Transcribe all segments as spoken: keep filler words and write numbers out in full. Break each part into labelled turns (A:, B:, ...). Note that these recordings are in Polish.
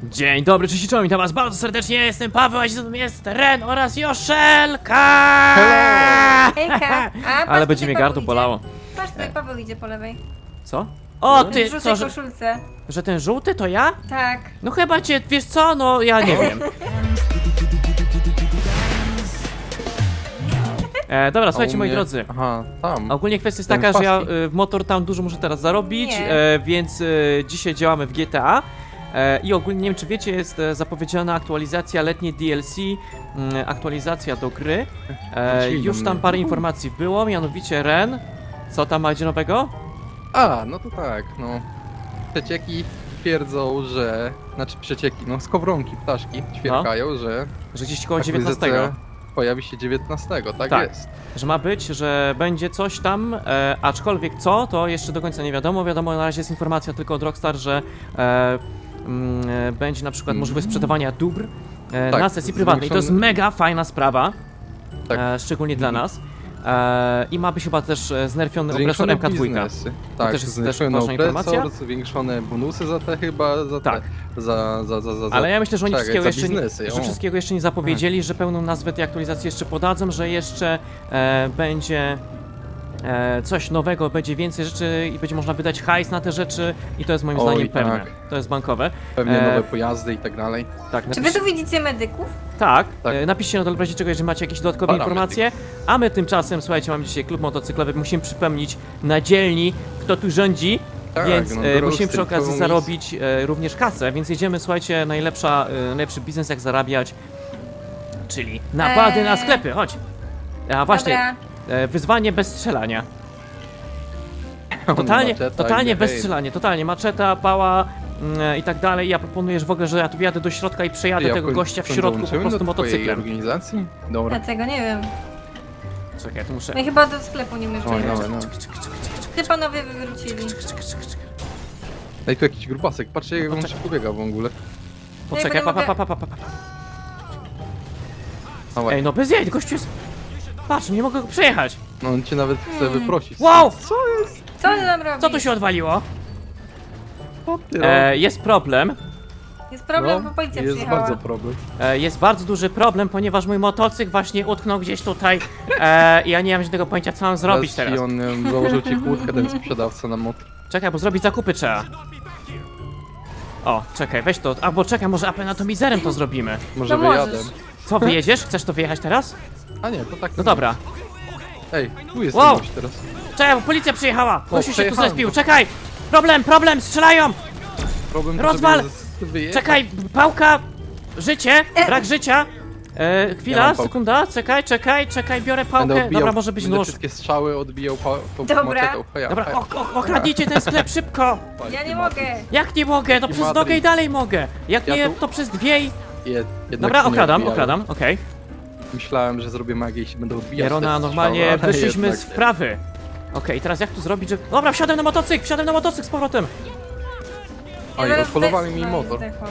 A: Dzień dobry, cześć i czołem, witam was bardzo serdecznie, jestem Paweł, a dzisiaj jest Ren oraz Joszelka!
B: Hejka! A,
A: Ale będzie mnie gardło bolało.
B: Patrz, tutaj Paweł idzie po lewej.
A: Co? O,
B: W
A: ty,
B: żółtej
A: co, że,
B: koszulce.
A: że ten żółty to ja?
B: Tak.
A: No chyba cię, wiesz co, no ja nie wiem. E, dobra, słuchajcie moi
C: mnie-
A: drodzy.
C: Aha, tam.
A: Ogólnie kwestia jest
C: Ten
A: taka, że ja
C: paski.
A: y, w Motor Town dużo muszę teraz zarobić,
B: Nie.
A: e, więc y, dzisiaj działamy w G T A. E, I ogólnie, nie wiem czy wiecie, jest e, zapowiedziana aktualizacja letnie D L C, mm, aktualizacja do gry. E,
C: Wrócili do
A: już
C: mnie.
A: tam parę informacji było, mianowicie Ren. Co tam macie nowego?
C: A, no to tak, no. Przecieki twierdzą, że... Znaczy przecieki, no skowronki, ptaszki ćwierkają, że...
A: Że gdzieś koło
C: akwizycja
A: dziewiętnastego.
C: pojawi się dziewiętnastego, tak,
A: Tak.
C: jest.
A: Że ma być, że będzie coś tam, e, aczkolwiek co, to jeszcze do końca nie wiadomo. Wiadomo, na razie jest informacja tylko od Rockstar, że e, mm, e, będzie na przykład możliwość sprzedawania dóbr e,
C: Tak,
A: na sesji prywatnej. I to jest
C: zwiększony-
A: mega fajna sprawa,
C: Tak.
A: e, szczególnie dla nas. E, I ma być chyba też e, znerfiony opresor M K dwa.
C: biznesy. Tak,
A: też jest też
C: zwiększony
A: ważna informacja.
C: opresor, zwiększone bonusy za te chyba, za
A: Tak.
C: te... Za, za, za, za, za...
A: Ale ja myślę, że oni
C: Czekaj,
A: wszystkiego
C: za
A: jeszcze, nie,
C: biznesy,
A: że
C: o.
A: wszystkiego jeszcze nie zapowiedzieli, że pełną nazwę tej aktualizacji jeszcze podadzą, że jeszcze e, będzie e, coś nowego, będzie więcej rzeczy i będzie można wydać hajs na te rzeczy i to jest moim
C: Oj,
A: zdaniem pewne.
C: tak.
A: To jest bankowe.
C: Pewnie
A: e,
C: nowe pojazdy i tak dalej.
A: Tak,
B: Czy wy
A: napisz,
B: tu widzicie medyków?
A: tak,
C: Tak.
A: E, napiszcie na dole w razie czego, jeżeli macie jakieś dodatkowe
C: Parametry.
A: informacje, a my tymczasem, słuchajcie, mamy dzisiaj klub motocyklowy, musimy przypomnieć na dzielni, kto tu rządzi.
C: Tak,
A: Więc
C: no,
A: e,
C: biorą
A: musimy przy okazji
C: stricte
A: zarobić e, również kasę, więc jedziemy, słuchajcie, najlepsza, e, najlepszy biznes jak zarabiać, czyli napady
B: Eee.
A: na sklepy, chodź. A właśnie,
B: Dobra.
A: e, wyzwanie bez strzelania. Totalnie,
C: Maczeta
A: totalnie
C: idzie,
A: bez
C: hej.
A: strzelania, totalnie, maczeta, pała mm, i tak dalej. Ja proponuję, że w ogóle, że ja tu wjadę do środka i przejadę
C: Ja
A: tego
C: koń-
A: gościa w
C: koń
A: środku po
C: dołączymy
A: prostu
C: do twojej
A: motocyklem.
C: organizacji? Dobra.
B: Ja tego nie wiem.
A: Czekaj, ja tu muszę...
B: My chyba do sklepu nie możemy
C: Oj,
B: jechać.
C: no, no.
B: Ty panowie wywrócili.
C: Ej, tu jakiś grubasek, patrzcie jak on
A: Poczekaj.
C: szybko biega w ogóle.
A: Poczekaj, pa, pa, pa, pa, pa, pa.
C: Ała.
A: Ej, no bez jaj, gościu jest... Patrz, nie mogę go przejechać.
C: No on cię nawet chce
B: Hmm.
C: wyprosić.
A: Wow!
C: Co jest?
B: Co ty tam robisz?
A: Co tu się odwaliło?
C: Co ty
A: E, jest problem.
B: Jest problem,
C: No,
B: bo policja
C: jest
B: przyjechała.
C: bardzo problem.
A: E, jest bardzo duży problem, ponieważ mój motocykl właśnie utknął gdzieś tutaj e, i ja nie mam żadnego pojęcia, co mam zrobić
C: Raz
A: teraz.
C: ci on em, założył ci kłódkę, ten sprzedawca na motor.
A: Czekaj, bo zrobić zakupy trzeba. O, czekaj, weź to, albo czekaj, może apenatomizerem to zrobimy.
C: Może
B: To
C: wyjadę.
B: możesz.
A: Co, wyjedziesz? Chcesz to wyjechać teraz?
C: A nie, to tak.
A: No dobra.
C: Ej, tu jest
A: Wow!
C: wow. teraz.
A: Czekaj, bo policja przyjechała! Gościu się tu
C: przejechałem.
A: zespił, czekaj! Problem, problem, strzelają!
C: Problem,
A: Rozwal!
C: żeby z- wyjechać.
A: Czekaj, pałka! Życie! Brak życia! E,
C: Ja
A: chwila,
C: mam pałkę.
A: sekunda, czekaj, czekaj, czekaj, biorę
C: Będę
A: pałkę.
C: odbijał,
A: Dobra, może być
C: będę
A: nóż.
C: wszystkie strzały odbijał pa, tą
B: Dobra.
C: maczetą. Heja,
A: Dobra,
C: heja.
A: o, o, okradnijcie ten sklep szybko!
B: Ja nie mogę.
A: Jak nie mogę? To
C: Taki
A: przez
C: Madryt.
A: nogę i dalej mogę! Jak
C: Ja
A: nie,
C: tu-
A: to przez dwie i...
C: Jed, jednak
A: Dobra,
C: się nie
A: okradam,
C: odbijają.
A: okradam, okej.
C: Myślałem, że zrobię magię i się będę odbijać.
A: Jerona,
C: te
A: normalnie
C: strzały, ale
A: wyszliśmy
C: jednak
A: z
C: nie.
A: wprawy. Okej, teraz jak tu zrobić, że... Dobra, wsiadłem na motocykl, wsiadłem na motocykl z powrotem!
C: Oj,
B: zaraz
C: odholowali
B: zdech-
C: mi
B: no,
C: motor.
B: zdechłam.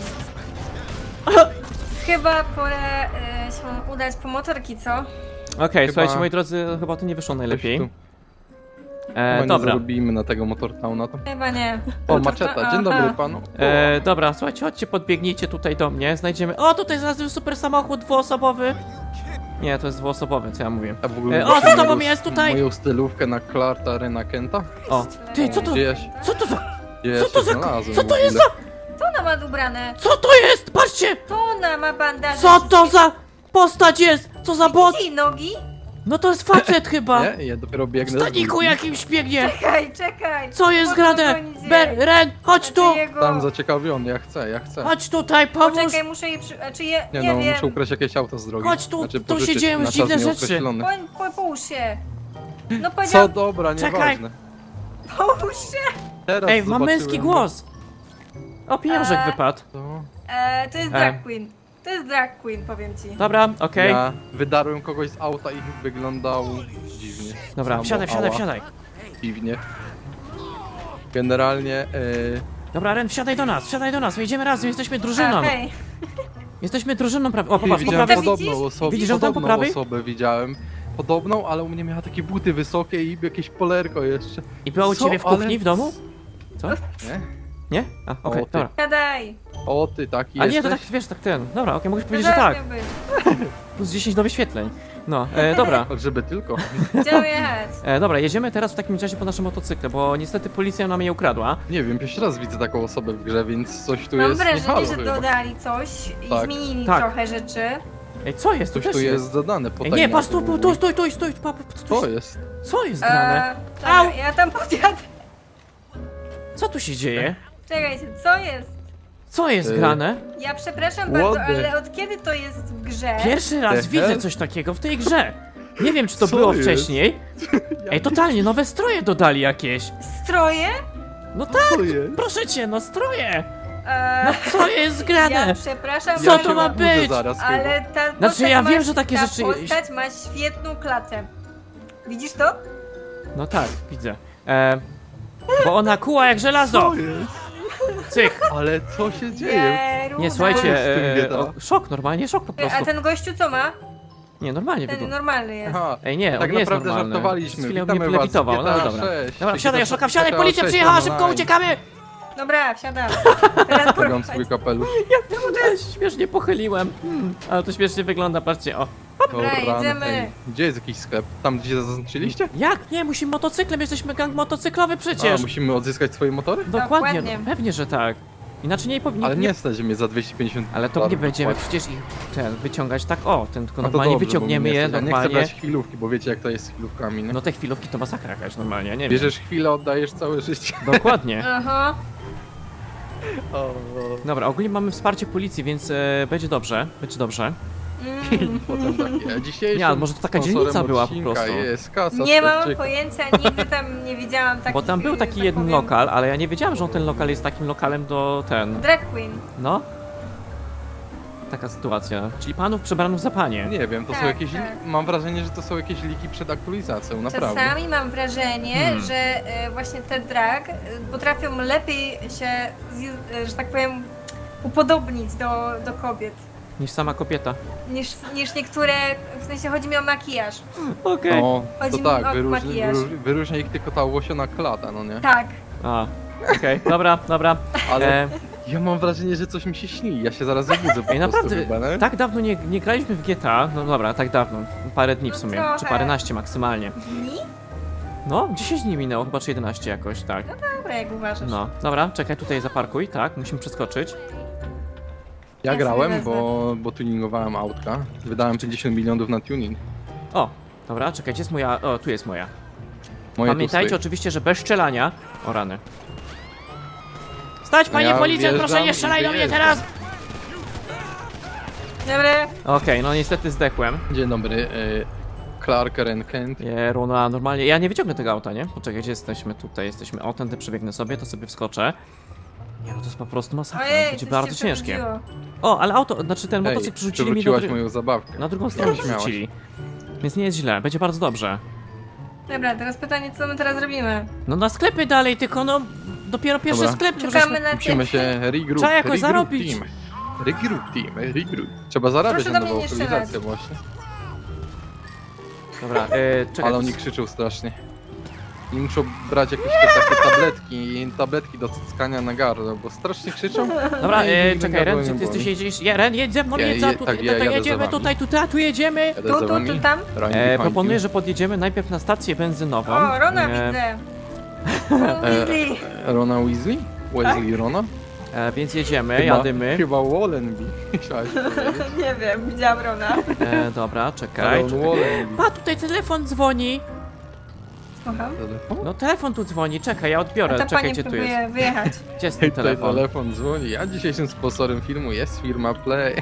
B: Chyba pora e, się udać po motorki, co?
A: Okej,
C: Chyba-
A: słuchajcie, moi drodzy, chyba to nie wyszło najlepiej.
C: Coś tu
A: E,
C: chyba nie
A: dobra.
C: zarobimy na tego Motortowna. To...
B: Chyba nie.
C: O, maczeta, dzień dobry
B: Aha.
C: panu.
A: E, dobra, słuchajcie, chodźcie, podbiegnijcie tutaj do mnie, znajdziemy... O, tutaj znalazłem super samochód dwuosobowy! Nie, to jest dwuosobowy, co ja mówię.
C: A w ogóle
A: E, o,
C: wiecie
A: co z tobą
C: moją-
A: jest tutaj?
C: Moją stylówkę na Clarta Rena Kenta?
A: O, ty, co to...
C: Gdzie ja się,
A: Co to za...
C: gdzie ja
A: Co to
C: się
A: za...
C: znalazłem
A: Co
C: w
A: to jest
C: ogóle?
A: za...
B: To ona ma ubrane.
A: Co to jest? Patrzcie!
B: To ona ma bandaże.
A: Co to za... postać jest? Co za bot?
B: Widzicie jej nogi?
A: No to jest facet chyba!
C: Nie, ja dopiero
A: W
C: biegnę. z
A: staniku
C: górki.
A: jakimś biegnie!
B: Czekaj, czekaj.
A: Co jest
B: Po
A: grane?
B: co gonicie?
A: Ber, Ren, chodź tu!
B: Znaczy jego-
C: Tam zaciekawiony, ja chcę, ja chcę.
A: Chodź tutaj, pomóż!
B: Poczekaj, muszę je przy... Czy je...
C: Nie,
B: Nie,
C: no,
B: wiem.
C: muszę ukraść jakieś auto z drogi.
A: Chodź tu,
C: znaczy,
A: tu się
C: pożyczyć
A: dzieją
C: na czas
A: dziwne rzeczy.
C: nieokreślony.
B: Po, po, połóż się. No
C: Co
B: powiedział,
C: dobra,
A: Czekaj.
C: nieważne.
B: połóż się.
C: Teraz
A: Ej, ma męski
C: zobaczyłem-
A: głos! O, pieniążek
B: Eee.
A: wypadł.
C: To...
B: E, to jest
A: E.
B: drag queen. To jest drag queen, powiem ci.
A: Dobra, okej.
C: Ja wydarłem kogoś z auta i wyglądał dziwnie.
A: Dobra,
C: Albo
A: wsiadaj, wsiadaj,
C: ała,
A: wsiadaj.
C: Dziwnie. Generalnie, e,
A: Dobra, Ren, wsiadaj do nas, wsiadaj do nas, wejdziemy razem, jesteśmy
B: A,
A: drużyną.
B: hej.
A: Jesteśmy drużyną prawie. O,
C: Ty,
A: popatrz, po
C: widziałem
A: prawej.
B: Widzisz?
C: podobną osobę,
A: Widzisz ją tam po
C: podobną
A: prawej?
C: osobę widziałem. Podobną, ale u mnie miała takie buty wysokie i jakieś polerko jeszcze.
A: I była u
C: Co?
A: ciebie w
C: Ale-
A: kuchni, w domu? Co?
C: Nie?
A: Nie? A, okej,
C: O, ty.
A: dobra.
B: Siadaj.
C: O, ty taki
A: A nie,
C: jesteś?
A: to tak, wiesz, tak ten. Dobra, okej, mogę
B: To
A: powiedzieć, że
B: zaraz
A: tak.
B: miał być.
A: Plus dziesięć do wyświetleń. No, e, dobra.
C: Żeby tylko.
B: Gdzie mam jechać?
A: E, dobra, jedziemy teraz w takim razie po naszym motocykle, bo niestety policja nam je ukradła.
C: Nie wiem, pierwszy raz widzę taką osobę w grze, więc coś tu
B: Mam
C: jest nie
B: wrażenie,
C: halo
B: że
C: chyba.
B: dodali coś i
C: Tak.
B: zmienili
A: Tak.
B: trochę rzeczy.
A: Ej, co jest?
C: Coś
A: też
C: tu jest dodane po
A: Ej, nie, patrz, tu, tu, tu, stój, stój, stój, pa, pa,
C: Co
A: stój.
C: jest?
A: Co jest grane?
B: Eee,
A: Au!
B: dobra, ja tam podjadę.
A: Co tu się dzieje?
B: Czekajcie, co jest?
A: Co jest
C: Ej.
A: grane?
B: Ja przepraszam
C: What
B: bardzo,
C: the-
B: ale od kiedy to jest w grze?
A: Pierwszy raz
C: The
A: widzę
C: hell?
A: coś takiego w tej grze. Nie wiem, czy to
C: Co
A: było
C: jest?
A: wcześniej. Ej, totalnie, nowe stroje dodali jakieś.
B: Stroje?
A: No tak,
C: Co jest?
A: proszę cię, no stroje.
B: Eee,
A: No co jest grane?
B: ja przepraszam
A: Co
C: Ja
A: to
C: się
B: bardzo,
A: ma
C: obudzę
A: być?
C: Zaraz chyba.
B: ale ta
A: Znaczy,
B: postać
A: ja
B: ma,
A: wiem, że takie
B: ta
A: rzeczy-
B: postać ma świetną klatę. Widzisz to?
A: No tak, widzę. E, bo ona kuła jak żelazo.
C: Co jest?
A: Cyk.
C: Ale co się dzieje?
B: Jeru,
A: Nie,
C: Co
A: słuchajcie,
C: jest z tym
A: e,
C: bieda?
A: o, szok, normalnie szok po
B: Ty, A
A: prostu.
B: ten gościu co ma?
A: Nie, normalnie
B: Ten
A: wygląda.
B: normalny jest.
C: Aha,
A: Ej, nie,
C: tak
A: on nie jest
C: naprawdę
A: normalny.
C: żartowaliśmy.
A: Przez chwilę
C: Witamy
A: mnie
C: was w
A: lewitował, no
C: G T A
A: dobra.
C: sześć.
A: Dobra, wsiadaj,
C: G T A
A: Joszoka, wsiadaj,
C: G T A
A: policja
C: sześć
A: przyjechała,
C: online.
A: szybko uciekamy!
B: Dobra, wsiadam. Teraz
C: Ściągam
B: porwać.
C: swój kapelusz.
A: Jak to jest? Śmiesznie pochyliłem. Hmm, ale to śmiesznie wygląda, patrzcie, o.
B: Dobra,
C: O, rany.
B: jedziemy.
C: Ej, gdzie jest jakiś sklep? Tam, gdzie zaznaczyliście?
A: Jak? Nie, musimy motocyklem, jesteśmy gang motocyklowy
C: A,
A: przecież.
C: musimy odzyskać swoje motory?
A: Dokładnie,
B: Dokładnie.
A: no, pewnie, że tak. Inaczej nie powinien.
C: Ale nie stać mnie za dwieście pięćdziesiąt
A: Ale to nie
C: dolarów
A: będziemy
C: płacić.
A: przecież ich ten wyciągać tak, o, ten tylko
C: No to
A: normalnie
C: dobrze,
A: wyciągniemy
C: bo mnie
A: je
C: nie stać. Ja nie chcę
A: normalnie.
C: brać chwilówki, bo wiecie jak to jest z chwilówkami, nie?
A: No te chwilówki to masakra jakaś normalnie, ja nie wiem.
C: Bierzesz chwilę, oddajesz całe życie.
A: Dokładnie.
B: Aha.
C: O, o.
A: Dobra, ogólnie mamy wsparcie policji, więc e, będzie dobrze, będzie dobrze.
B: Mm.
C: Potem takie, a dzisiejszym
A: Nie, ale może to taka
C: sponsorem
A: dzielnica była po
C: odcinka
A: prostu.
C: Jest kasa
B: Nie mam
C: Stepczyka.
B: pojęcia, nigdy tam nie widziałam takich...
A: Bo tam był taki
B: tak
A: jeden
B: powiem,
A: lokal, ale ja nie wiedziałem, że on ten lokal jest takim lokalem do ten.
B: Drag queen.
A: No. Taka sytuacja. Czyli panów przebranych za panie.
C: Nie wiem, to są
B: Tak,
C: jakieś...
B: tak.
C: Mam wrażenie, że to są jakieś liki przed aktualizacją, naprawdę.
B: Czasami mam wrażenie,
A: Hmm.
B: że e, właśnie te drag e, potrafią lepiej się, zje- e, że tak powiem, upodobnić do, do kobiet.
A: Niż sama kobieta.
B: Niż, niż niektóre, w sensie chodzi mi o makijaż.
A: Okej.
C: No,
B: Chodzi
C: to
B: mi
C: tak,
B: o
C: wyróżni,
B: makijaż.
C: wyróżni, wyróżnia ich tylko ta łosiona klata, no nie?
B: Tak.
A: A, okej, dobra, dobra.
C: Ale
A: E,
C: ja mam wrażenie, że coś mi się śni, ja się zaraz obudzę po
A: Ej,
C: prostu
A: naprawdę,
C: chyba, nie?
A: tak dawno nie, nie graliśmy w G T A. No dobra, tak dawno. Parę dni w
B: No
A: sumie.
B: trochę.
A: Czy paręnaście maksymalnie.
B: Dni?
A: No, dziesięć dni minęło, chyba czy jedenaście jakoś, tak.
B: Dobra, jak uważasz.
A: No, dobra, czekaj, tutaj zaparkuj, tak, musimy przeskoczyć.
C: Ja
B: Ja sobie
C: grałem,
B: wezmę.
C: bo, bo tuningowałem autka. Wydałem pięćdziesiąt milionów na tuning.
A: O, dobra, czekaj, gdzie jest moja... O, tu jest moja.
C: Moje tu
A: Pamiętajcie
C: stoi.
A: oczywiście, że bez strzelania... O, rany. Stać, panie
C: Ja
A: policjant, proszę nie
C: wjeżdżam
A: strzelaj
C: i
A: do mnie
C: wyjeżdżam.
A: teraz!
B: Dobra.
A: Okej, no niestety zdechłem.
C: Dzień dobry, y, Clark Ren Kent.
A: Je, Runa, normalnie... Ja nie wyciągnę tego auta, nie? Poczekaj, gdzie jesteśmy? Tutaj jesteśmy. O, tędy przebiegnę sobie, to sobie wskoczę. Nie, no to jest po prostu masakra,
B: Ojej,
A: będzie
B: coś
A: bardzo
B: się
A: ciężkie.
B: przebudziło.
A: O, ale auto, znaczy ten
C: Ej,
A: motocykl przerzucili mi do...
C: przewróciłaś
A: dru-
C: moją zabawkę.
A: Na drugą stronę
C: śmiałaś.
A: przerzucili. Więc nie jest źle, będzie bardzo dobrze.
B: Dobra, teraz pytanie, co my teraz robimy?
A: No na sklepy dalej, tylko no... Dopiero pierwszy
C: Dobra.
A: sklep
B: Czekamy
A: możesz...
B: na
C: Musimy się regroup,
A: Trzeba jakoś
C: regroup
A: zarobić.
C: team. Regroup team, regroup. Trzeba zarabiać
B: Proszę
C: na
B: do mnie
C: nową
B: nie
C: aktualizację
B: strzelać.
C: właśnie.
A: Dobra, e, czekaj.
C: Ale oni krzyczą strasznie. I muszą brać jakieś te takie tabletki, tabletki do cyckania na gardło, bo strasznie krzyczą.
A: Dobra,
C: I
A: e,
C: nigdy
A: czekaj,
C: gardło
A: Ren,
C: nie
A: czy ty
C: boli.
A: jesteś jedziesz? Ja, Ren, jedź ze mną,
C: Ja
A: jedź za
C: je-
A: tutaj,
C: tak, ja
A: tutaj
C: jadę za
A: jedziemy,
C: wami.
A: tutaj, tutaj, tu jedziemy.
C: Jadę
B: Tu,
C: za
B: tu,
C: wami.
B: tu, tam?
C: Run
A: E,
C: behind
A: proponuję,
C: you.
A: że podjedziemy najpierw na stację benzynową.
B: O, Rona
A: e,
B: widzę. O, Weasley.
C: Rona Weasley? Wesley Rona?
A: e, Więc jedziemy,
C: Chyba-
A: jadymy.
C: Chyba Wallenby. Chciałaś powiedzieć.
B: Nie wiem, widziałam Rona.
A: E, dobra, czekaj.
C: Ron Wallenby.
A: Pa, tutaj telefon dzwoni.
B: Słucham.
C: Telefon?
A: No telefon tu dzwoni, czekaj, ja odbiorę.
B: A ta
A: Czekaj,
B: pani
A: gdzie tu jest?
B: próbuje wyjechać.
A: Gdzie jest ten
C: Tutaj
A: telefon?
C: telefon dzwoni. A dzisiejszym sponsorem filmu jest firma Play.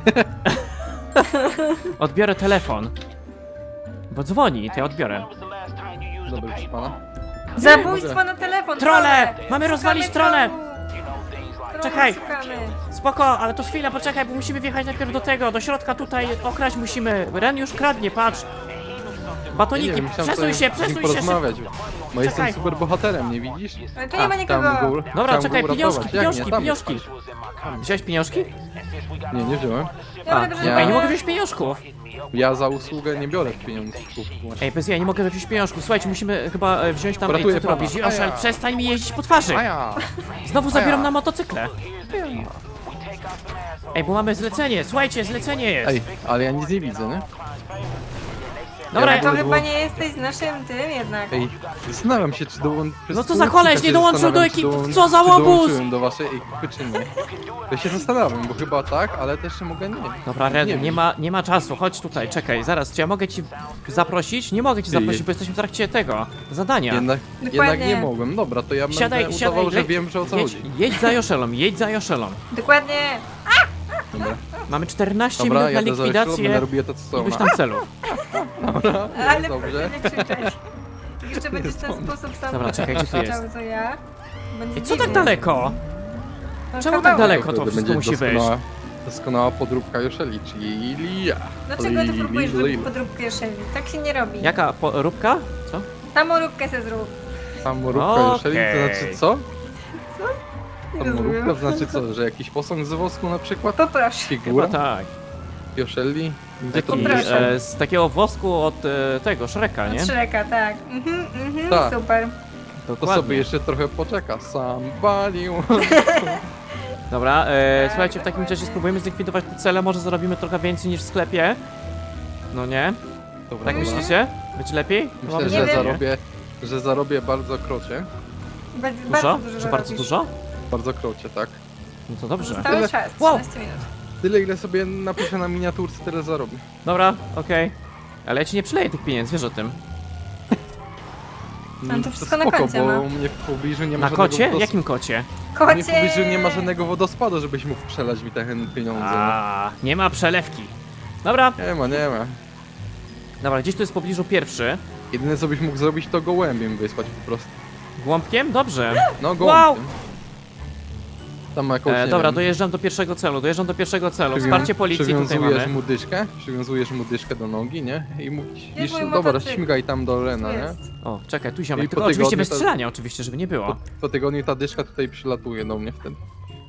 A: Odbiorę telefon. Bo dzwoni, to ja odbiorę.
C: Dobry, proszę pana.
B: Zabójstwo na telefon.
A: Trole!
B: trole.
A: Mamy rozwalić
B: Szukamy
A: trole!
B: trolu. Trole
A: Czekaj.
B: szukamy.
A: Spoko, ale to chwila, poczekaj, bo musimy wjechać najpierw do tego, do środka tutaj, okraść musimy. Ren już kradnie, patrz. Batoniki,
C: myślałem
A: przesuń
C: sobie
A: się,
C: z nim
A: przesuń się szybko.
C: porozmawiać, bo jestem
A: Czekaj.
C: super bohaterem, nie widzisz?
B: Ale tu nie ma
C: Tam
B: nikogo.
C: go,
A: Dobra,
C: chciałem
A: czekaj,
C: go
A: pieniążki,
C: uratować. Jak
A: pieniążki,
C: nie? Tam
A: pieniążki.
C: jest.
A: Wziąłeś pieniążki?
C: Nie, nie wziąłem.
B: Dobra,
A: A,
B: proszę
C: ja-
A: Ej, nie
B: pana.
A: mogę wziąć pieniążków.
C: Ja za usługę nie biorę pieniążków. właśnie.
A: Ej, bez ja nie mogę wziąć pieniążków. Słuchajcie, musimy chyba e, wziąć tam... Ej,
C: Uratuję
A: co ty
C: pana.
A: robisz?
C: A
A: Joszel,
C: ja.
A: przestań mi jeździć po twarzy.
C: A ja!
A: Znowu zabieram
C: ja.
A: na motocykle. Ej, bo mamy zlecenie, słuchajcie, zlecenie jest.
C: Ej, ale ja nic nie widzę, nie?
A: Dobra,
C: ja
B: To
C: w ogóle
B: chyba
C: było-
B: nie jesteś z naszym tym jednak.
C: Ej, zastanawiam się, czy dołączyłem.
A: No co za koleś, nie dołączył do ekipy, co za
C: Czy
A: łobuz!
C: dołączyłem do waszej ekipy, czy nie? Ja się zastanawiam, bo chyba tak, ale też mogę nie.
A: Dobra, Red,
C: Nie
A: nie,
C: wiem.
A: ma, nie ma czasu, chodź tutaj, czekaj, zaraz, czy ja mogę ci zaprosić? Nie mogę ci
C: Ty.
A: zaprosić, bo jesteśmy w trakcie tego, zadania.
C: Jednak,
B: Dokładnie.
C: jednak nie mogłem. Dobra, to ja
A: Siadaj,
C: będę
A: siadaj,
C: udawał, że
A: leć,
C: wiem, że o co
A: jedź,
C: chodzi.
A: jedź za Joszelą, jedź za Joszelą.
B: Dokładnie.
C: Dobra,
A: Mamy czternaście
C: Dobra
A: minut na
C: jadę za Joszelą, będę
A: likwidację
C: robił to, co
A: iluś
C: ona.
A: tam celów.
C: Dobra,
B: Ale
C: jest dobrze.
B: proszę nie krzyczeć. Jeszcze będziesz w ten sposób sam
A: Dobra, czekaj, gdzie tu jest?
B: krzyczał, co ja. Będzie
A: Ej, co tak
B: dziwnie.
A: daleko?
B: No,
A: Czemu tak
B: kawałek.
A: daleko to
C: Wtedy
A: wszystko
C: będzie
A: musi wyjść?
C: doskonała, doskonała podróbka Joszeli, czyli ja.
B: Dlaczego ty
C: Li,
B: próbujesz
C: li,
B: zrobić
C: li.
B: podróbkę Joszeli? Tak się nie robi.
A: Jaka po, róbka? Co?
B: Samoróbkę se zrób.
C: Samoróbka
A: Okej.
C: Joszeli, to znaczy co?
B: Nie
C: Samoróbka
B: rozumiem.
C: to znaczy co, że jakiś posąg z wosku na przykład?
B: Poproszę.
C: Figura?
A: Chyba tak.
C: Joszeli? Gdzie to
A: Taki,
B: Poproszę.
C: pisze?
A: e, z takiego wosku od e, tego, Shreka, nie?
B: Od Shreka, tak. Mhm, mhm,
C: Tak.
B: super.
C: To
A: Dokładnie.
C: sobie jeszcze trochę poczeka. Somebody
A: Dobra, e, słuchajcie, w takim razie spróbujemy zlikwidować te cele, może zarobimy trochę więcej niż w sklepie. No nie?
C: Dobra,
A: Tak
C: dobra.
A: myślicie? Będzie lepiej?
C: Myślę,
A: Mamy
C: że
B: Nie wiem.
C: zarobię, że zarobię bardzo krocie.
B: Bardzo,
A: Dużo?
B: bardzo dużo
A: Że bardzo
B: zarobisz.
A: dużo?
C: Bardzo krocie, tak.
A: No to dobrze.
B: Zostały
C: Tyle-
B: czas,
A: Wow.
B: trzynaście minut.
C: Tyle ile sobie napiszę na miniaturce, tyle zarobię.
A: Dobra, okej. Ale ja ci nie przyleję tych pieniędzy, wiesz o tym.
B: Ale to wszystko na
C: spoko,
B: koncie,
C: bo
B: no.
C: u mnie w pobliżu nie ma
A: Na
C: żadnego
A: kocie?
C: wodos-
A: Jakim kocie?
C: U mnie w
B: Kocie!
C: pobliżu nie ma żadnego wodospadu, żebyś mógł przelać mi te pieniądze. no.
A: A, nie ma przelewki. Dobra,
C: Nie ma, nie ma.
A: dobra, gdzieś tu jest w pobliżu pierwszy.
C: Jedyne co byś mógł zrobić to gołębiem wysłać po prostu.
A: Głąbkiem? Dobrze.
C: No
A: Wow!
C: gołębiem. Tam jakąś,
A: E,
C: nie
A: dobra,
C: wiem,
A: dojeżdżam do pierwszego celu, dojeżdżam do pierwszego celu.
C: przywią-
A: Wsparcie policji tutaj
C: przywiązujesz
A: mamy.
C: mu dyszkę, przywiązujesz mu dyszkę do nogi, nie? I mówisz,
B: Jest mój
C: dobra,
B: motocykl.
C: śmigaj tam do
B: Tu
C: Lena, nie?
B: jest.
A: O, czekaj, tu
C: I
A: ziomek.
C: po
A: Tylko oczywiście
C: tygodniu
A: bez
C: to-
A: strzelania, oczywiście, żeby nie
C: Po,
A: było.
C: po tygodniu ta dyszka tutaj przylatuje do mnie wtedy.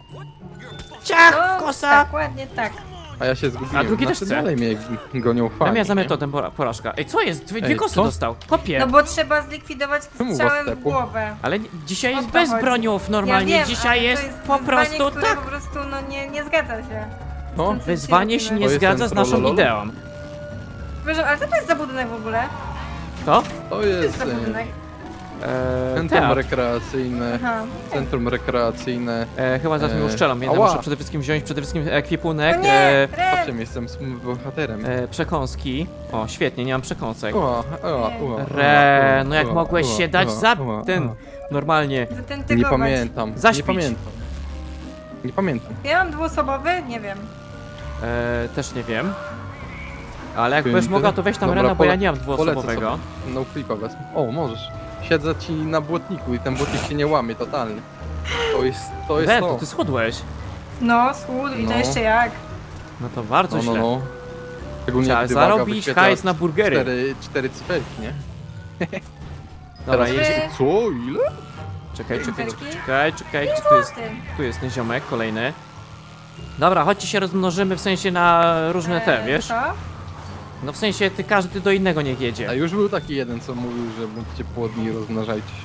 A: Ciach,
B: No,
A: kosa!
B: tak, ładnie tak.
C: A ja się zgubiłem.
A: A drugi też
C: znaczy,
A: chce.
C: dalej mnie gonią fani.
A: Tam ja za
C: nie?
A: metodę pora- porażka. Ej, co jest? Dwie, dwie
C: Ej,
A: kosy
C: co?
A: dostał. Kopie.
B: No bo trzeba zlikwidować
C: Czemu
B: strzałem
C: was
B: w
C: tepło?
B: głowę.
A: Ale nie- dzisiaj
B: O
A: jest
B: to
A: bez
B: chodzi.
A: broniów normalnie.
B: Ja wiem,
A: Dzisiaj
B: ale
A: jest,
B: to jest
A: po
B: wyzwanie,
A: prostu
B: które
A: tak.
B: po prostu no nie, nie zgadza się.
C: No,
B: Z tym, co
A: Wyzwanie
B: dzisiaj
A: się nie
C: To jest
A: zgadza
C: ten
A: z naszą
C: trollolol?
A: ideą.
B: Przepraszam, ale co to jest za budynek w ogóle?
A: To?
C: to
B: Co to jest
C: jest
B: za
C: e,
B: budynek?
A: Eee,
C: centrum
A: teatr.
C: rekreacyjne.
B: Aha.
C: Centrum rekreacyjne.
A: E, chyba zaraz mnie
C: Eee,
A: uszczelą, więc ja
C: ała.
A: muszę przede wszystkim wziąć przede wszystkim ekwipunek,
B: O nie,
A: e,
C: Patrzcie,
B: Ren!
C: jestem smutnym bohaterem.
A: e, przekąski. O, świetnie, nie mam przekąsek.
C: Ua, ua, ua,
A: Re,
C: ua,
A: no jak
C: ua,
A: mogłeś
C: ua,
A: się dać
C: ua,
A: za
C: ua,
A: ten,
C: ua.
A: normalnie.
C: Nie
B: Zatentygować.
C: pamiętam.
A: Zaśpić.
C: Nie pamiętam. Nie pamiętam.
B: Ja mam dwuosobowy? Nie wiem.
A: E, też nie wiem. Ale jak
C: Piękny.
A: będziesz mogła, to weź tam
C: Dobra,
A: Rena, bo ja
C: pole-
A: nie mam
C: Polecę
A: dwuosobowego.
C: sobie. No flipa wezmę. O, możesz. Siedzę ci na błotniku i ten błotnik się nie łamie totalnie. To jest to. Jest
A: Ren,
C: to.
A: to ty schudłeś.
B: No, schód i to
C: No.
B: jeszcze jak.
A: No to bardzo
C: No, no,
A: źle.
C: no. Szczególnie
A: Trzeba
C: gdy waga
A: zarobić
C: wyświetla
A: hajs na burgery.
C: Cztery, cztery cyferki, nie?
A: Dobra,
C: Teraz
A: jedzie...
B: Wy-
C: Co? Ile?
A: Czekaj, czekaj,
B: Cyferki?
A: czekaj, czekaj, gdzie tu jest,
B: Ty.
A: tu jest ten ziomek kolejny. Dobra, chodźcie się rozmnożymy w sensie na różne te,
B: Eee,
A: wiesz?
B: Co?
A: No w sensie ty każdy do innego niech
C: A
A: jedzie.
C: już był taki jeden, co mówił, że bądźcie płodni i rozmnażajcie się.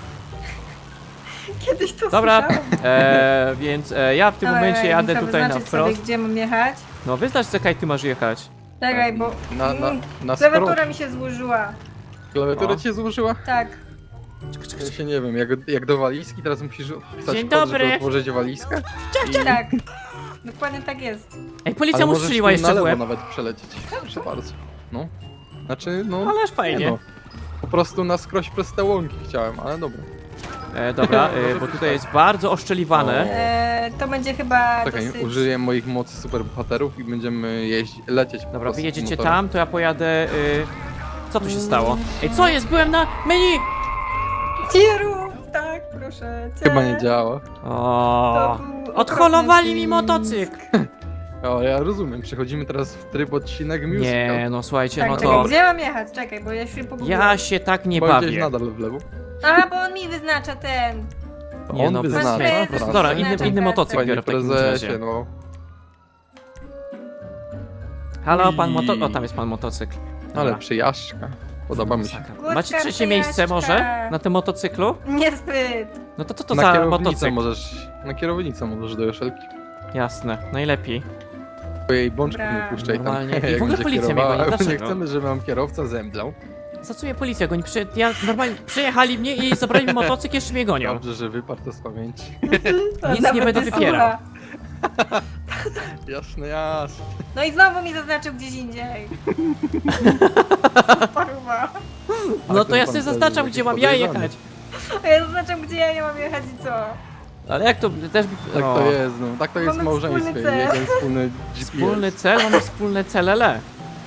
B: Kiedyś to
A: Dobra,
B: słyszałam.
A: e, więc e, ja w tym
B: Dobra,
A: momencie
B: ja
A: jadę
B: muszę
A: tutaj na
B: wyznaczyć
A: wprost.
B: sobie, gdzie mam jechać.
A: No wyznacz czekaj, ty masz jechać.
B: Czekaj, bo
C: Na, na,
B: mm,
C: na
B: klawiatura
C: skoro...
B: mi się złożyła.
C: Klawiatura
A: O.
C: cię złożyła?
B: Tak.
C: Ja się nie wiem, jak, jak do walizki, teraz musisz wpisać
A: Dzień
C: kod,
A: dobry.
C: żeby otworzyć walizkę? I,
B: Tak. Dokładnie tak jest.
A: Ej, policja
C: ale
A: mu
C: możesz
A: strzeliła
C: tu
A: jeszcze
C: na
A: w
C: lewo
A: łeb.
C: nawet przelecieć. Proszę bardzo. No. Znaczy, no...
A: Ależ
C: nie
A: fajnie.
C: no. Po prostu na skroś przez te łąki chciałem, ale dobra.
A: E, dobra, e, bo tutaj jest bardzo oszczeliwane.
B: Eee, to będzie chyba
C: Czekaj,
B: dosyć...
C: użyję moich mocy superbohaterów i będziemy jeździć, lecieć po
A: Dobra,
C: prostu
A: wy jedziecie
C: motorem.
A: tam, to ja pojadę... Y... Co tu się stało? Ej, co jest? Byłem na menu!
B: Tieru! Tak, proszę cię.
C: Chyba nie działa.
A: O,
B: To był
A: odholowali mi
B: okropny
A: motocykl!
C: O, ja rozumiem, przechodzimy teraz w tryb odcinek musical.
A: Nie, no słuchajcie,
B: Tak,
A: no
B: czekaj,
A: to...
B: gdzie mam jechać? Czekaj, bo ja się pogubiłam.
A: Ja się tak nie
C: Chyba gdzieś
A: bawię.
C: nadal w lewo.
B: A, bo on mi wyznacza ten.
C: To
A: Nie
C: on
A: no,
C: wyznacza.
B: prezes,
C: trasę.
B: prezes.
A: Dobra, inny,
B: Wyznacza
A: inny motocykl
C: Panie
A: biorę w takim
C: prezesie,
A: razie.
C: no.
A: Halo, pan moto...
C: Ui.
A: O, tam jest pan motocykl.
C: Ale
A: Dobra.
C: przyjażdżka. Podoba mi się.
B: Górska
A: Macie trzecie miejsce
B: przyjaźdźka.
A: może? Na tym motocyklu?
B: Niezbyt.
A: No to co to
C: na
A: za
C: kierownicę
A: motocykl?
C: możesz, na kierownicę możesz do Joszelki.
A: Jasne, najlepiej.
C: Twojej bączków
B: Dobra.
C: nie puszczaj tam.
A: Normalnie. I w
C: jak
A: ogóle
C: będzie
A: policja mnie
C: kierowała.
A: goni,
C: Nie
A: dlaczego?
C: chcemy, żeby nam kierowca zemdlał.
A: Za co mnie policja goni? Przy... Ja normalnie przyjechali mnie i zabrali mi motocykl, jeszcze mnie gonią.
C: Dobrze, że wyparł to z pamięci.
B: To
A: Nic nie
B: nawet
A: będę wypierał.
B: słucha.
C: Jasne, jasne.
B: No i znowu mi zaznaczył gdzieś indziej. Paruwa.
A: No to
C: ten
A: ja
C: pan
A: sobie
C: też
A: zaznaczam,
C: jest
A: gdzie mam
C: jakiś
A: ja
C: podejrzany.
A: jechać.
B: A ja zaznaczam, gdzie ja nie mam jechać i co?
A: Ale jak to też...
C: Tak
A: o,
C: to jest, no. Tak to jest w
B: Mamy
C: małżeństwie.
B: wspólny cel.
C: Jeden wspólny G P S.
A: Wspólny cel, mamy wspólne celele.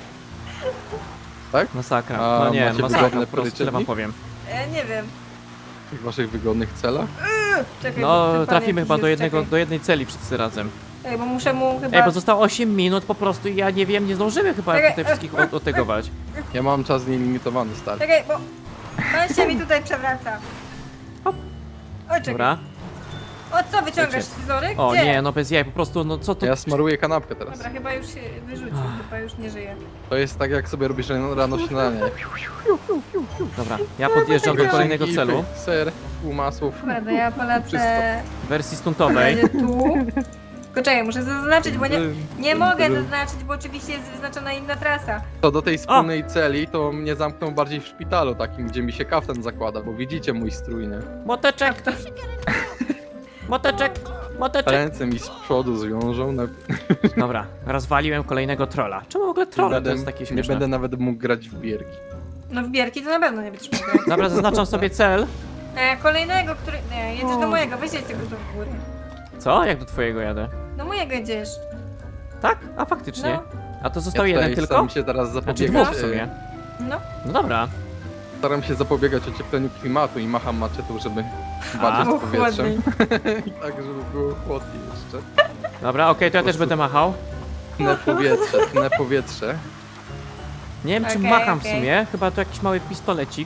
C: Tak?
A: Masakra.
C: A
A: No nie,
C: macie
A: masakra,
C: wygodne
A: po prostu tyle wam
C: policzynki?
A: powiem.
B: E, nie wiem.
C: W waszych wygodnych celach?
B: Czekaj, bo
A: No,
B: ten pan
A: trafimy
B: jakiś
A: chyba do
B: jest,
A: jednego,
B: czekaj.
A: do jednej celi wszyscy razem.
B: Ej, bo muszę mu chyba...
A: Ej, bo zostało osiem minut po prostu i ja nie wiem, nie zdążymy chyba
B: Czekaj,
A: tutaj wszystkich od- otegować.
C: Ja mam czas nielimitowany, stary.
B: Czekaj, bo... Pan się mi tutaj przewraca.
A: Hop.
B: O, czekaj.
A: Dobra.
B: O, co, wyciągasz
A: Wiecie.
B: scyzoryk?
A: O
B: Gdzie?
A: nie, no bez jaj, po prostu, no co to...
C: Ja smaruję kanapkę teraz.
B: Dobra, chyba już się wyrzucił, chyba już nie żyje.
C: To jest tak, jak sobie robisz rano rano śniadanie.
A: Dobra, ja podjeżdżam do kolejnego
C: Gify,
A: celu.
C: Ser, pół masłów.
B: Dobra, to ja polecę...
A: W wersji stuntowej.
B: Będę tu. Tylko czekaj, muszę zaznaczyć, bo nie, nie mogę zaznaczyć, bo oczywiście jest wyznaczona inna trasa.
C: To do tej wspólnej celi to mnie zamkną bardziej w szpitalu takim, gdzie mi się kaftan zakłada, bo widzicie mój strój, nie?
A: Moteczek!
B: To...
A: Moteczek! Moteczek!
C: Ręce mi z przodu zwiążą. Na...
A: Dobra, rozwaliłem kolejnego trolla. Czemu w ogóle
C: nie
A: trolle to
C: będę,
A: jest takie
C: nie
A: śmieszne?
C: będę nawet mógł grać w bierki.
B: No w bierki to na pewno nie będziesz mógł.
A: Dobra, zaznaczam sobie cel.
B: E, kolejnego, który... Nie, jedziesz
A: O.
B: do mojego, weź jedź tego do góry.
A: Co? Jak do twojego jadę?
B: Do mojego jedziesz.
A: Tak? A faktycznie.
B: No,
A: A to został
C: ja
A: jeden
C: tutaj
A: tylko?
C: staram się teraz
A: Znaczy
C: zapobiegać.
A: dwóch w sumie.
B: no.
A: No dobra.
C: Staram się zapobiegać ociepleniu klimatu i macham maczetą, żeby walczyć
B: Było
C: z powietrzem.
B: chłodniej.
C: I tak, żeby było chłodniej jeszcze.
A: Dobra, okej, to ja też będę machał.
C: Tnę powietrze, tnę powietrze.
A: Nie wiem, czym
B: Okej,
A: macham w
B: okej.
A: sumie. Chyba to jakiś mały pistolecik.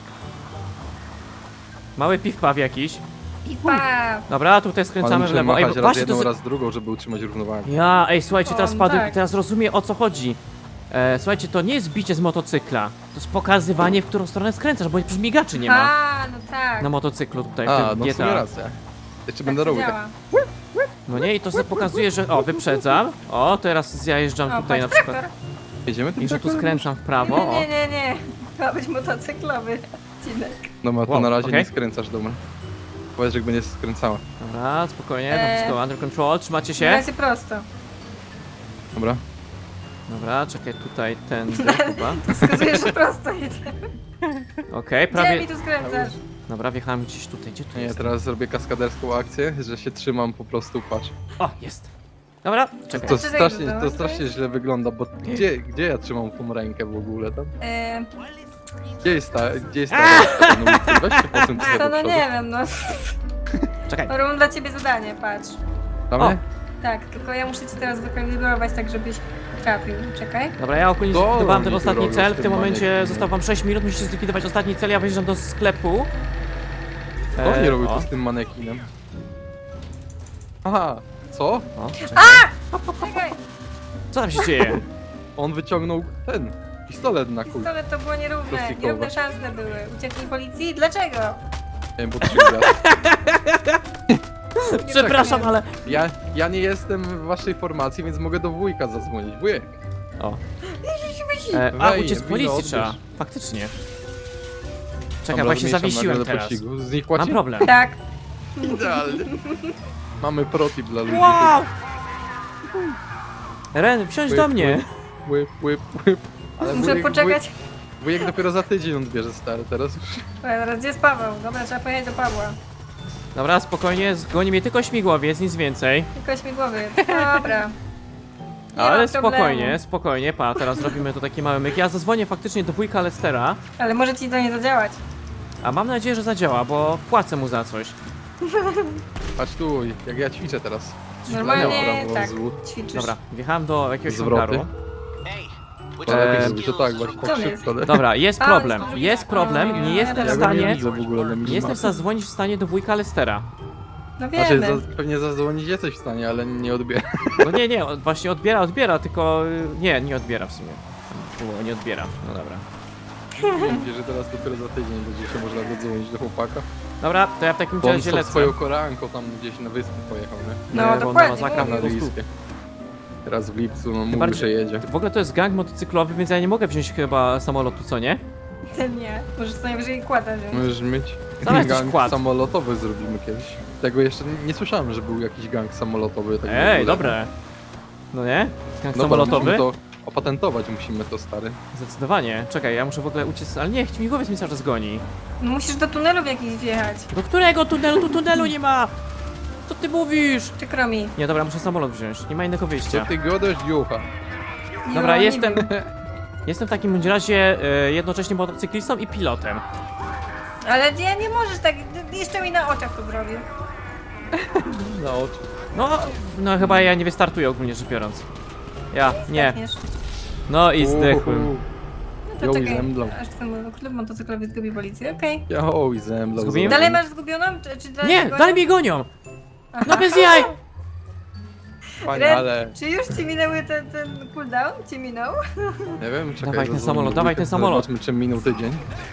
A: Mały piw-paw jakiś.
B: I pa!
A: Dobra, tutaj
C: Ale
A: skręcamy w
C: muszę
A: lewo. Ej,
C: machać
A: bo
C: raz
A: właśnie to...
C: jedną,
A: z-
C: raz drugą, żeby utrzymać równowagę.
A: Ja, ej, słuchajcie,
B: O,
A: teraz
B: no
A: padł,
B: tak.
A: teraz rozumiem, o co chodzi. E, słuchajcie, to nie jest bicie z motocykla. To jest pokazywanie, w którą stronę skręcasz, bo przecież migaczy nie ma
B: A, no tak.
A: na motocyklu tutaj w
C: A,
A: tym
C: no w
A: G
C: sumie
A: T A.
C: racja. Jeszcze
B: Tak
C: będę
B: to
C: robił tak.
B: działa.
A: No nie, i to sobie pokazuje, że o, wyprzedzam. O, teraz zjajeżdżam
B: O,
A: tutaj na
B: patrz,
A: przykład.
B: traktor.
C: Jedziemy tym
A: I że tu
C: traktorem?
A: skręcam w prawo.
B: Nie,
A: O.
B: nie, nie, nie. To ma być motocyklowy odcinek.
C: Dobra, to
A: Wow,
C: na razie
A: okej.
C: nie skręcasz, dobra. Powiedz, że jakby nie skręcała.
A: Dobra, spokojnie, to
B: Eee.
A: wszystko under control, trzymacie
B: Na
A: się?
B: razie prosto.
C: Dobra.
A: Dobra, czekaj, tutaj ten chyba.
B: Wskazujesz, że prosto jedziemy.
A: Okej,
B: Gdzie
A: prawie...
B: mi tu skręcasz?
A: Dobra, wjechałem gdzieś tutaj, gdzie tu
C: Nie,
A: jest?
C: teraz zrobię kaskaderską akcję, że się trzymam po prostu, patrz.
A: O, jest. Dobra, czekaj.
C: To
B: Jeszcze
C: strasznie,
B: zejdę,
C: to
B: no,
C: strasznie
B: to jest-
C: źle wygląda, bo gdzie, gdzie ja trzymam tą rękę w ogóle tam?
B: E,
C: Gdzie jest ta, gdzie jest ta ręka na ulicy? Weź się posuń trochę
B: to
C: do
B: no
C: przodu.
B: nie wiem, no.
A: Czekaj.
B: Robię dla ciebie zadanie, patrz.
C: Damy?
B: Tak, tylko ja muszę ci teraz wykalibrować tak, żebyś trafił. Czekaj.
A: Dobra, ja ogólnie
C: Co
A: zlikwidowałem
C: oni
A: ten
C: tu
A: ostatni
C: robią
A: cel,
C: z
A: w tym
C: tym
A: momencie
C: manekinem?
A: zostało wam sześć minut, musicie zlikwidować ostatni cel, ja wyjeżdżam do sklepu.
C: Co oni
A: E,
C: robią
A: o,
C: tu z tym manekinem? Aha, co?
A: o, czekaj.
B: Czekaj,
A: Co tam się dzieje?
C: On wyciągnął ten pistolet na kul.
B: pistolet to było nierówne.
C: Plastikowe.
B: Nierówne szanse były. Uciekli policji? Dlaczego?
C: Nie wiem, bo trzy gwiazdy.
A: Przepraszam, ale...
C: Ja, ja nie jestem w waszej formacji, więc mogę do wujka zadzwonić. Wujek.
A: O. E, a,
C: Wej,
A: uciec z
C: wino
A: policji
C: odbierz.
A: trzeba. Faktycznie. Czekaj,
C: Dobra,
A: właśnie
C: zmniejszam
A: zawiesiłem
C: nagle do
A: teraz.
C: pościgu. Z nich
A: Mam
C: płaci?
A: problem.
B: Tak.
C: Idealnie. Mamy protip dla ludzi.
A: Wow! Ren, wsiądź
C: Łyp,
A: do mnie.
C: Łyp, łyp, łyp. Ale
B: Muszę
C: wujek-
B: poczekać.
C: Wujek, wujek dopiero za tydzień odbierze stary, teraz już.
B: Słuchaj, zaraz gdzie jest Paweł? Dobra, trzeba pojechać do Pawła.
A: Dobra, spokojnie, zgoni mnie tylko śmigłowiec, nic więcej.
B: Tylko śmigłowy. Dobra. Nie
A: Ale
B: ma
A: spokojnie,
B: problemu.
A: spokojnie, pa, teraz robimy tu taki mały myk. Ja zadzwonię faktycznie do wujka Lestera,
B: Ale może ci to nie zadziałać.
A: a mam nadzieję, że zadziała, bo płacę mu za coś.
C: Patrz tu, jak ja ćwiczę teraz.
B: Normalnie
C: Prawo,
B: tak,
C: zwód.
B: ćwiczysz.
A: Dobra, wjechałem do jakiegoś
C: Zwroty.
A: hangaru.
C: To lepiej
A: Eee,
C: zrobić, to tak, właśnie
B: Co
C: tak
B: jest?
C: szybko. nie?
A: Dobra, jest
B: A,
A: problem,
B: jest
A: jest problem, nie jestem w
C: Ja go nie
A: stanie,
C: widzę w ogóle na
A: nie
C: minimapie.
A: jestem zadzwonić w stanie do wujka Lestera.
B: No
C: Znaczy,
B: wiemy.
C: za, pewnie zadzwonić jesteś w stanie, ale nie odbiera.
A: No nie, nie, on właśnie odbiera, odbiera, tylko... y, Nie, nie odbiera w sumie. Było, nie odbiera, no dobra.
C: Wiesz, że teraz dopiero za tydzień będzie się można dodzwonić do chłopaka.
A: Dobra, to ja w takim
C: Bo on
A: razie
C: z
A: lecę.
C: swoją koreanką tam gdzieś na wyspę pojechał, nie?
B: No,
A: bo
B: dokładnie,
A: masakra
B: mówię.
A: po prostu.
C: Kanadyjskie. Teraz w lipcu, no mówi,
A: bardziej-
C: że jedzie.
A: W ogóle to jest gang motocyklowy, więc ja nie mogę wziąć chyba samolotu, co nie?
B: Ten nie. Możesz co najwyżej kłada wziąć.
C: Możesz mieć
A: Zamiast
C: gang
A: jakiś kład.
C: samolotowy zrobimy kiedyś. Tego jeszcze nie, nie słyszałem, że był jakiś gang samolotowy. Tak w
A: Ej,
C: ogóle.
A: dobre. No nie? Gang
C: Dobra,
A: samolotowy?
C: musimy to opatentować musimy to, stary.
A: Zdecydowanie. Czekaj, ja muszę w ogóle uciec, ale nie, śmigłowiec mi cały czas goni.
B: No musisz do tunelu w jakiś wjechać.
A: Do którego tunelu? Tu tunelu nie ma! Co ty mówisz?
B: Przykro mi.
A: Nie, dobra, muszę samolot wziąć, nie ma innego
C: Co
A: wyjścia.
C: ty godasz, jucha?
A: Dobra,
B: Jo, nie
A: jestem-
B: wiem.
A: Jestem w takim bądź razie e, jednocześnie motocyklistą i pilotem.
B: Ale nie, nie możesz tak, jeszcze mi na oczach to zrobię.
C: Na oczy.
A: No, no chyba ja nie wystartuję ogólnie rzecz biorąc. Ja, nie.
B: Zdechniesz.
A: No i zdechłem.
C: Uhu.
B: No to
C: Jo, i
B: czekaj,
C: zemdlą.
B: aż twój klub motocyklowy zgubi policję, okej.
C: Ja oj, zemdlał.
A: Zgubiłem?
B: Dalej masz zgubioną? Czy, czy dalej
A: Nie,
B: go-
A: dalej mnie gonią!
B: Aha.
A: No bez jaj!
C: Panie,
B: Ren,
C: ale...
B: Czy już ci minęły ten, ten cooldown? Ci minął?
C: Nie wiem, czekaj.
A: Dawaj ten
C: rozumiem,
A: samolot, dawaj ten samolot.
C: Zobaczmy, czym minął tydzień.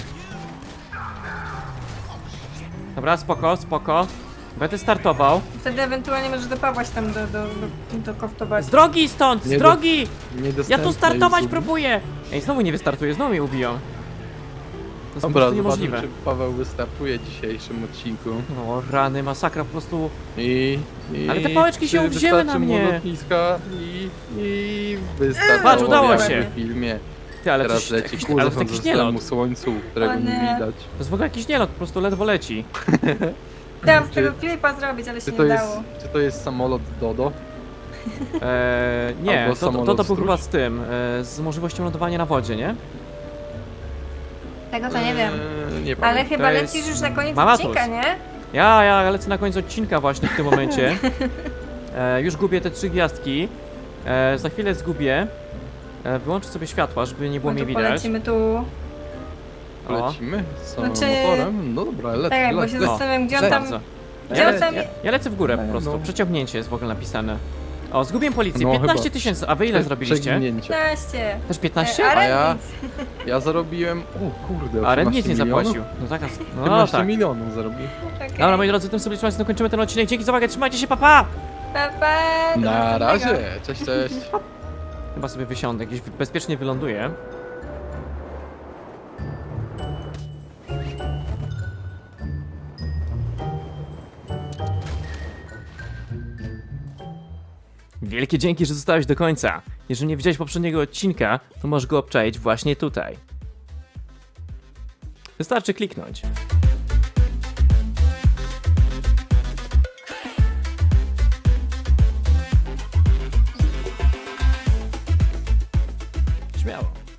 A: Dobra, spoko, spoko. Będę startował.
B: Wtedy ewentualnie możesz dopawać tam do, do, do, do koftować.
A: Z drogi stąd, z
C: Nie do-
A: drogi! Ja
C: Niedostępne
A: tu startować
C: już.
A: próbuję! Ej, znowu nie wystartuję, znowu mnie ubiją. To jest po
C: Dobra,
A: prostu
C: zobaczmy,
A: niemożliwe.
C: czy Paweł wystartuje w dzisiejszym odcinku.
A: No rany, masakra, po prostu...
C: I, i
A: Ale te pałeczki się
C: czy
A: uwzięły na
C: wystarczy mu
A: mnie.
C: lotniska i, i wystartował
A: Patrz, udało
C: jak
A: się.
C: w filmie.
A: Ty, ale
C: Teraz
A: coś,
C: leci
A: jakiś,
C: ku
A: ale to jakiś nielot.
C: zachodzącemu słońcu, którego
B: O
C: nie
B: nie.
C: widać.
A: To jest w ogóle jakiś nielot, po prostu ledwo leci.
B: Chciałam z
C: Czy-
B: tego klipa zrobić, ale się
C: Czy
B: nie
C: to, jest,
B: dało.
C: czy to jest samolot Dodo?
A: Eee, nie,
C: Albo
A: to, to, to,
C: samolot
A: to był
C: stróż?
A: chyba z tym, e, z możliwością lądowania na wodzie, nie?
B: Tego to nie wiem.
C: Eee, nie
B: Ale
C: pamiętam.
B: chyba
A: jest
B: lecisz już na koniec
A: Mamatus.
B: odcinka, nie?
A: Ja, ja lecę na koniec odcinka właśnie w tym momencie. E, już gubię te trzy gwiazdki. E, za chwilę zgubię. E, wyłączę sobie światła, żeby nie było
B: No
A: mnie
B: to
A: widać.
B: polecimy tu.
A: O,
C: Lecimy z samym
B: Znaczy-
C: motorem? No dobra, lec,
B: Tak, bo
C: lec,
B: się
C: lec.
B: zastanawiam, gdzie on
C: lec.
B: tam...
A: bardzo.
B: Gdzie
A: Ja,
B: on tam...
A: ja, ja lecę w górę po
C: Nie,
A: prostu.
C: no.
A: Przeciągnięcie jest w ogóle napisane. O, zgubiłem policję.
C: No,
A: piętnaście
C: chyba.
A: tysięcy. A wy ile
C: Prze-
A: zrobiliście?
C: przeginięcie.
B: piętnaście.
A: Też piętnaście?
B: A
C: A ja-
B: Ren nic.
C: Ja zarobiłem... O kurde,
A: A Ren
C: osiemnaście
A: nic nie
C: milionów?
A: zapłacił. No tak, no
C: osiemnaście
A: tak.
C: milionów zarobił.
B: Okej.
A: Dobra, moi drodzy, tym sobie zakończymy ten odcinek. Dzięki za uwagę, trzymajcie się, papa!
B: Pa, pa, do
C: Na
B: następnego.
C: razie, cześć, cześć.
A: Chyba sobie wysiądę, gdzieś bezpiecznie wyląduję. Wielkie dzięki, że zostałeś do końca. Jeżeli nie widziałeś poprzedniego odcinka, to możesz go obczaić właśnie tutaj. Wystarczy kliknąć. Śmiało.